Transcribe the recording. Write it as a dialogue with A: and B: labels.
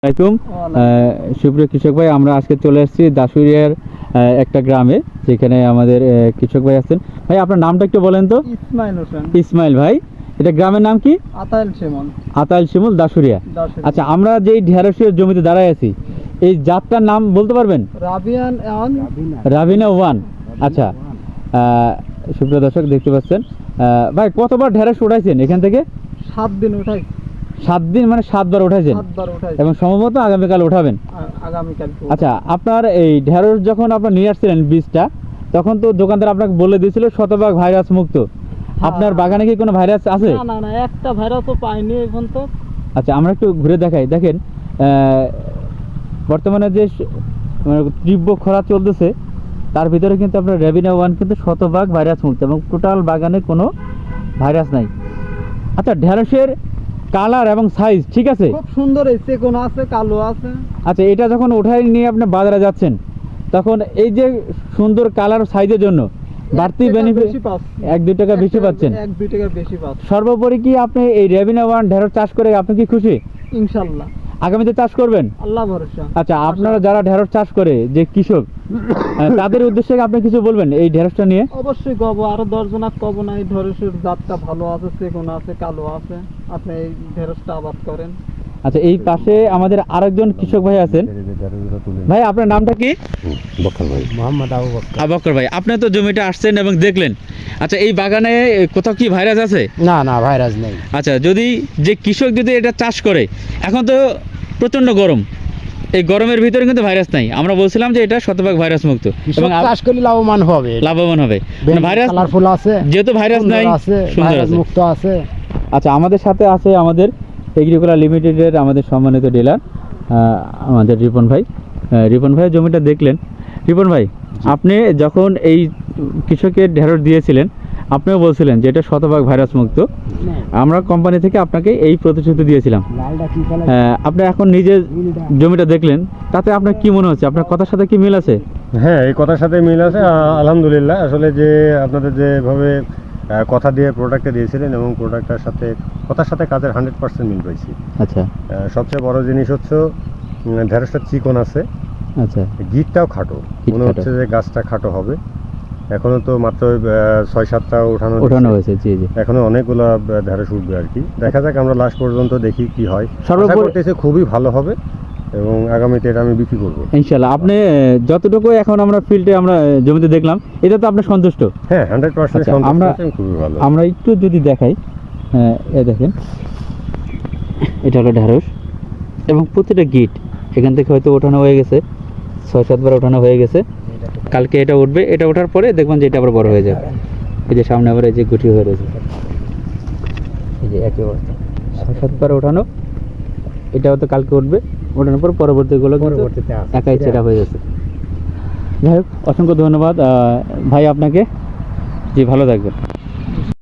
A: আসসালামাইকুম সুপ্রিয় কৃষক ভাই, আমরা আজকে চলে এসেছি দাসুরিয়ার একটা গ্রামে, যেখানে আমাদের কৃষক ভাই আছেন। ভাই আপনার নামটা একটু বলেন তো।
B: ইসমাইল হোসেন।
A: ইসমাইল ভাই, এটা গ্রামের নাম কি?
B: আতাইল শিমুল।
A: আতাইল শিমুল, দাসুরিয়া। আচ্ছা, আমরা যেই ঢেঁড়সের জমিতে দাঁড়ায় আছি, এই জাতটার নাম বলতে পারবেন? রাবিনা ওয়ান। আচ্ছা, সুপ্রিয় দর্শক দেখতে পাচ্ছেন, ভাই কতবার ঢেঁড়স উঠাইছেন এখান থেকে?
B: 7 দিন উঠাই।
A: 7 দিন মানে 7 বার উঠাইছেন?
B: 7 বার উঠাই
A: এবং সম্ভবত আগামীকাল উঠাবেন।
B: আগামীকাল।
A: আচ্ছা, আপনার এই ঢেঁড়স যখন আপনার নিয়ে আসছিলেন বীজটা, তখন তো দোকানদার আপনাকে বলে দিয়েছিল শতভাগ ভাইরাস মুক্ত। আপনার বাগানে কি কোনো ভাইরাস আছে?
B: না না, একটা ভাইরাসও পাইনি এখন তো।
A: আচ্ছা, আমরা একটু ঘুরে দেখাই। দেখেন, বর্তমানে যে তীব্র খরা চলতেছে, তার ভিতরে কিন্তু আপনার রাবিনা ওয়ান কিন্তু শতভাগ ভাইরাস মুক্ত এবং টোটাল বাগানে কোনো ভাইরাস নাই। আচ্ছা, ঢেঁড়সের কালার এবং সাইজ ঠিক আছে?
B: খুব সুন্দর, এই চেকন আছে, কালো আছে।
A: আচ্ছা, এটা যখন উঠাই নিয়ে আপনি বাজারে যাচ্ছেন, তখন এই যে সুন্দর কালার সাইজের জন্য বাড়তি বেনিফিট 1-2 টাকা বেশি পাচ্ছেন।
B: 1-2 টাকা বেশি পাচ্ছেন।
A: সর্বোপরি কি আপনি এই রাবিনা ওয়ান ঢেঁড়স চাষ করে আপনি কি খুশি?
B: ইনশাআল্লাহ।
A: আগামীতে চাষ করবেন?
B: আল্লাহ ভরসা।
A: আচ্ছা, আপনারা যারা ঢেঁড়স চাষ করে যে কৃষক, তাদের উদ্দেশ্যে আপনি কিছু বলবেন এই ঢেঁড়সটা নিয়ে?
B: অবশ্যই কব, আরো 10 জনাক কব না, এই ঢেঁড়সের জাতটা ভালো আছে, চেকন আছে, কালো আছে, আপনি এই ঢেঁড়সটা আবাদ করেন।
A: আচ্ছা, এই পাশে আমাদের আরেকজন কৃষক ভাই আছেন। ভাই আপনার নামটা কি?
C: বকর ভাই, মোহাম্মদ আবু বকর।
A: বকর ভাই, আপনি তো জমিটা আসছেন এবং দেখলেন। আচ্ছা, এই বাগানে কোথাও কি ভাইরাস আছে?
C: না না, ভাইরাস নেই।
A: আচ্ছা, যদি যে কৃষক যদি এটা চাষ করে, এখন তো প্রচন্ড গরম, এই গরমের ভিতরে কিন্তু ভাইরাস নাই। আমরা বলছিলাম যে এটা শতভাগ ভাইরাস মুক্ত এবং
C: চাষ করলে লাভবান হবে।
A: ভাইরাস
C: কালারফুল আছে,
A: যেহেতু ভাইরাস নাই, সুন্দর আছে,
C: মুক্ত আছে।
A: আচ্ছা, আমাদের সাথে আছে আমাদের এগ্রিকালচার লিমিটেডের আমাদের সম্মানিত ডিলার আমাদের রিপন ভাই। রিপন ভাইয়ের জমিটা দেখলেন। রিপন ভাই, আপনি যখন এই কৃষকের ঢেঁড়স দিয়েছিলেন, আপনিও বলছিলেন যে এটা শতভাগ ভাইরাস মুক্ত। আমরা কোম্পানি থেকে আপনাকে এই প্রতিশ্রুতি দিয়েছিলাম। আপনি এখন নিজে জমিটা দেখলেন, তাতে আপনার কি মনে হচ্ছে? আপনার কথার সাথে কি মিল আছে?
D: হ্যাঁ, এই কথার সাথে মিল আছে আলহামদুলিল্লাহ। আসলে যে আপনাদের যেভাবে কথা দিয়ে প্রোডাক্টটা দিয়েছিলেন এবং প্রোডাক্টটার সাথে কথার সাথে কাজের 100% মিল পাইছি।
A: আচ্ছা,
D: সবচেয়ে বড় জিনিস হচ্ছে ঢেঁড়সটা চিকন আছে।
A: আচ্ছা,
D: গিটটাও খাটো, মনে হচ্ছে যে গাছটা খাটো হবে। এখনো তো মাত্র 6-7টা ওঠানো
A: হয়েছে। জি জি,
D: এখনো অনেকগুলো ঢেঁড়স উঠবে আর কি। দেখা যাক, আমরা লাস্ট পর্যন্ত দেখি কি হয়।
A: সর্বোপরি
D: খুবই ভালো হবে এবং আগামীতে এটা আমি বিক্রি করবো
A: ইনশাআল্লাহ। আপনি যতটুকু এখন আমরা ফিল্ডে আমরা জমিতে দেখলাম, এটা তো আপনি সন্তুষ্ট?
D: হ্যাঁ, 100% সন্তুষ্ট, খুবই ভালো।
A: আমরা একটু যদি দেখাই, এই দেখেন, এটা হলো ঢেঁড়স এবং প্রতিটা গিট এখান থেকে হয়তো ওঠানো হয়ে গেছে, 6-7 বার ওঠানো হয়ে গেছে। কালকে এটা উঠবে, এটা ওঠার পরে দেখবেন যে এটা আবার বড় হয়ে যাবে। এই যে সামনে আবার এই যে গুটি হয়ে রয়েছে, এই যে একই অবস্থা, 6-7 বার ওঠানো। এটাও তো কালকে উঠবে, ওঠানোর পর পরবর্তীগুলো একাই ছেঁড়া হয়ে গেছে। যাই হোক, অসংখ্য ধন্যবাদ ভাই আপনাকে। জি, ভালো থাকবেন।